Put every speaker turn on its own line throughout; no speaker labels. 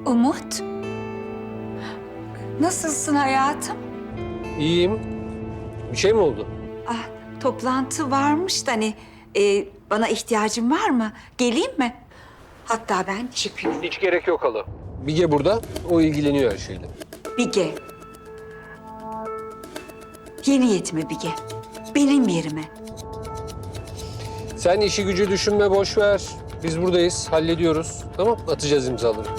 Umut, nasılsın hayatım?
İyiyim. Bir şey mi oldu?
Ah, toplantı varmış da hani bana ihtiyacın var mı? Geleyim mi? Hatta ben çıkıyorum.
Hiç gerek yok hala. Bige burada, o ilgileniyor her şeyle.
Bige. Yeni yetime Bige. Benim yerime.
Sen işi gücü düşünme, boş ver. Biz buradayız, hallediyoruz. Tamam, atacağız imzaları.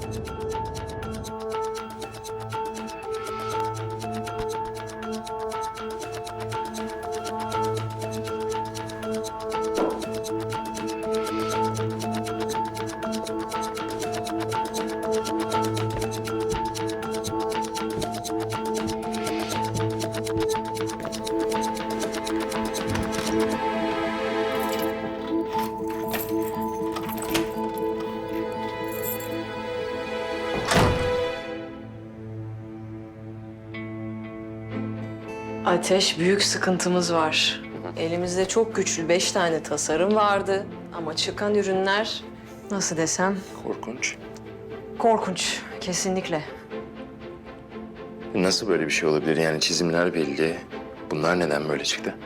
Ateş, büyük sıkıntımız var. Elimizde çok güçlü 5 tane tasarım vardı. Ama çıkan ürünler, nasıl desem,
Korkunç.
korkunç. Kesinlikle.
Nasıl böyle bir şey olabilir? Yani çizimler belli. Bunlar neden böyle çıktı?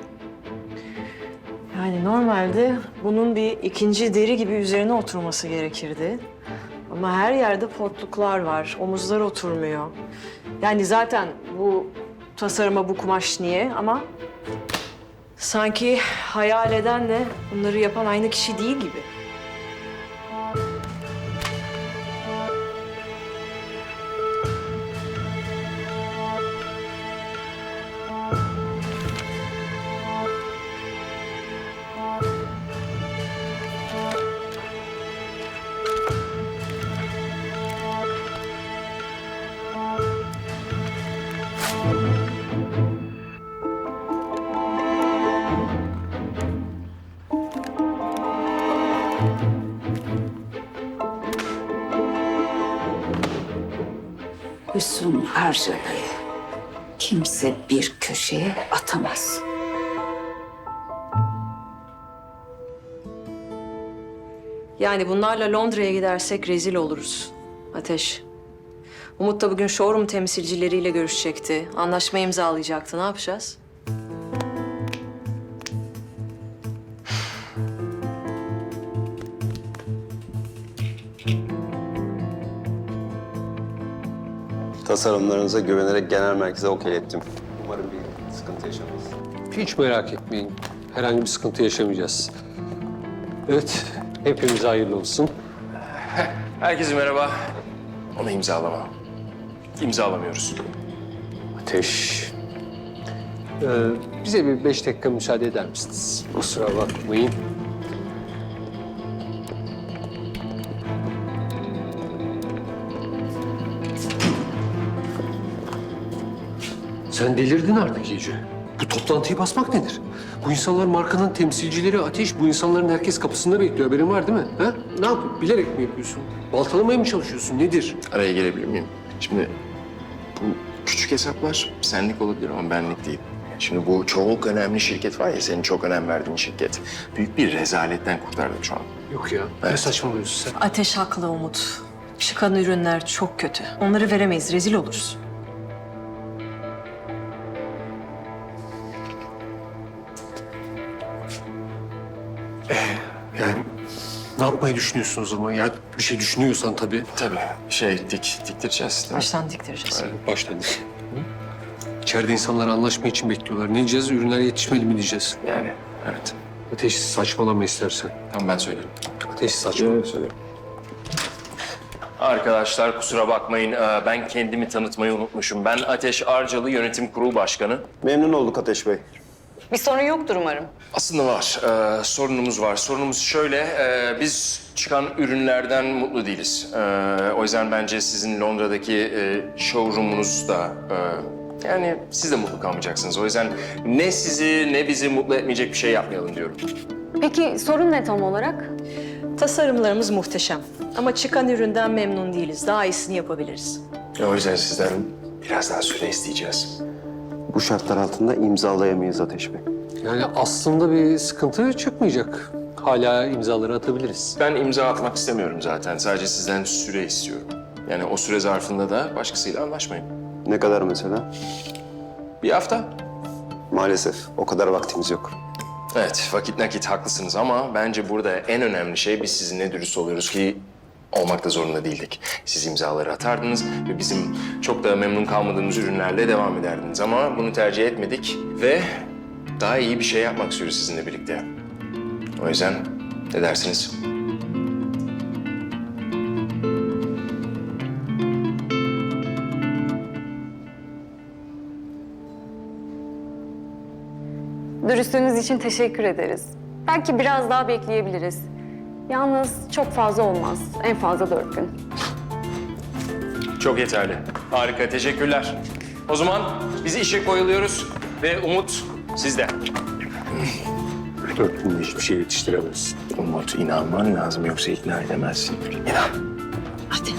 Yani normalde bunun bir ikinci deri gibi üzerine oturması gerekirdi. Ama her yerde potluklar var. Omuzlar oturmuyor. Yani zaten bu tasarıma bu kumaş niye ama sanki hayal edenle bunları yapan aynı kişi değil gibi.
Hüsnü harcamayı kimse bir köşeye atamaz.
Yani bunlarla Londra'ya gidersek rezil oluruz. Ateş. Umut da bugün showroom temsilcileriyle görüşecekti. Anlaşma imzalayacaktı. Ne yapacağız?
Tasarımlarınıza güvenerek genel merkeze okeylettim. Umarım bir sıkıntı yaşamayız.
Hiç merak etmeyin, herhangi bir sıkıntı yaşamayacağız. Evet, hepimize hayırlı olsun.
Herkese merhaba. Onu imzalama. İmzalamıyoruz.
Ateş. Bize bir 5 dakika müsaade eder misiniz? Kusura bakmayın. Sen delirdin artık iyice. Bu toplantıyı basmak nedir? Bu insanlar markanın temsilcileri Ateş. Bu insanların herkes kapısında bekliyor. Haberin var değil mi? Ha? Ne yapıyorsun? Bilerek mi yapıyorsun? Baltalamaya mı çalışıyorsun? Nedir?
Araya girebilir miyim? Şimdi bu küçük hesaplar senlik olabilir ama benlik değil. Şimdi bu çok önemli şirket var ya, senin çok önem verdiğin şirket. Büyük bir rezaletten kurtardım şu an.
Yok ya. Ne
Evet.
saçmalıyorsun sen?
Ateş haklı Umut. Çıkan ürünler çok kötü. Onları veremeyiz. Rezil oluruz.
Yani ne yapmayı düşünüyorsun o zaman? Ya bir şey düşünüyorsan tabii.
Tabii diktireceğiz değil mi?
Baştan diktireceğiz.
Başladık. İçeride insanlar anlaşma için bekliyorlar. Ne diyeceğiz? Ürünler yetişmeli mi diyeceğiz?
Yani evet.
Ateş saçmalama istersen.
Tamam, ben söylerim.
Ateş saçmalama.
Söylerim. Arkadaşlar kusura bakmayın, ben kendimi tanıtmayı unutmuşum. Ben Ateş Arcalı, Yönetim Kurulu Başkanı.
Memnun olduk Ateş Bey.
Bir sorun yoktur umarım.
Aslında var, sorunumuz var. Sorunumuz şöyle, biz çıkan ürünlerden mutlu değiliz. O yüzden bence sizin Londra'daki showroom'unuz da... yani siz de mutlu kalmayacaksınız. O yüzden ne sizi ne bizi mutlu etmeyecek bir şey yapmayalım diyorum.
Peki sorun ne tam olarak?
Tasarımlarımız muhteşem. Ama çıkan üründen memnun değiliz. Daha iyisini yapabiliriz.
O yüzden sizden biraz daha süre isteyeceğiz.
Bu şartlar altında imzalayamayız Ateş Bey.
Yani aslında bir sıkıntı çıkmayacak. Hala imzaları atabiliriz.
Ben imza atmak istemiyorum zaten. Sadece sizden süre istiyorum. Yani o süre zarfında da başkasıyla anlaşmayın.
Ne kadar mesela?
Bir hafta.
Maalesef o kadar vaktimiz yok.
Evet, vakit nakit haklısınız ama bence burada en önemli şey biz sizinle dürüst oluyoruz ki olmak da zorunda değildik. Siz imzaları atardınız ve bizim çok da memnun kalmadığımız ürünlerle devam ederdiniz ama bunu tercih etmedik ve daha iyi bir şey yapmak istiyoruz sizinle birlikte. O yüzden ne dersiniz?
Dürüstlüğünüz için teşekkür ederiz. Belki biraz daha bekleyebiliriz. Yalnız çok fazla olmaz. En fazla 4 gün.
Çok yeterli. Harika, teşekkürler. O zaman biz işe koyuluyoruz ve Umut sizde.
4 günde hiçbir şey yetiştiremezsin.
Umut, inanman lazım yoksa ikna edemezsin. İnan.
Hadi.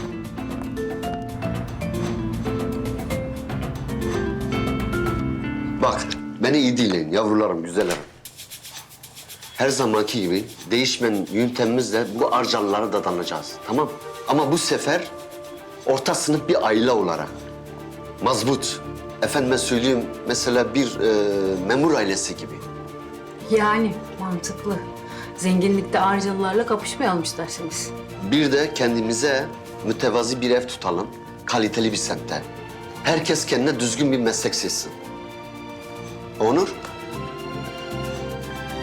Bak, beni iyi dinleyin yavrularım, güzellerim. Her zamanki gibi değişmeyen yöntemimizle bu arcalılara dadanacağız, tamam? Ama bu sefer orta sınıf bir aile olarak. Mazbut, efendime söyleyeyim mesela bir memur ailesi gibi.
Yani mantıklı. Zenginlikte Arcalılarla kapışmayalım isterseniz.
Bir de kendimize mütevazi bir ev tutalım, kaliteli bir semtte. Herkes kendine düzgün bir meslek seçsin. Onur,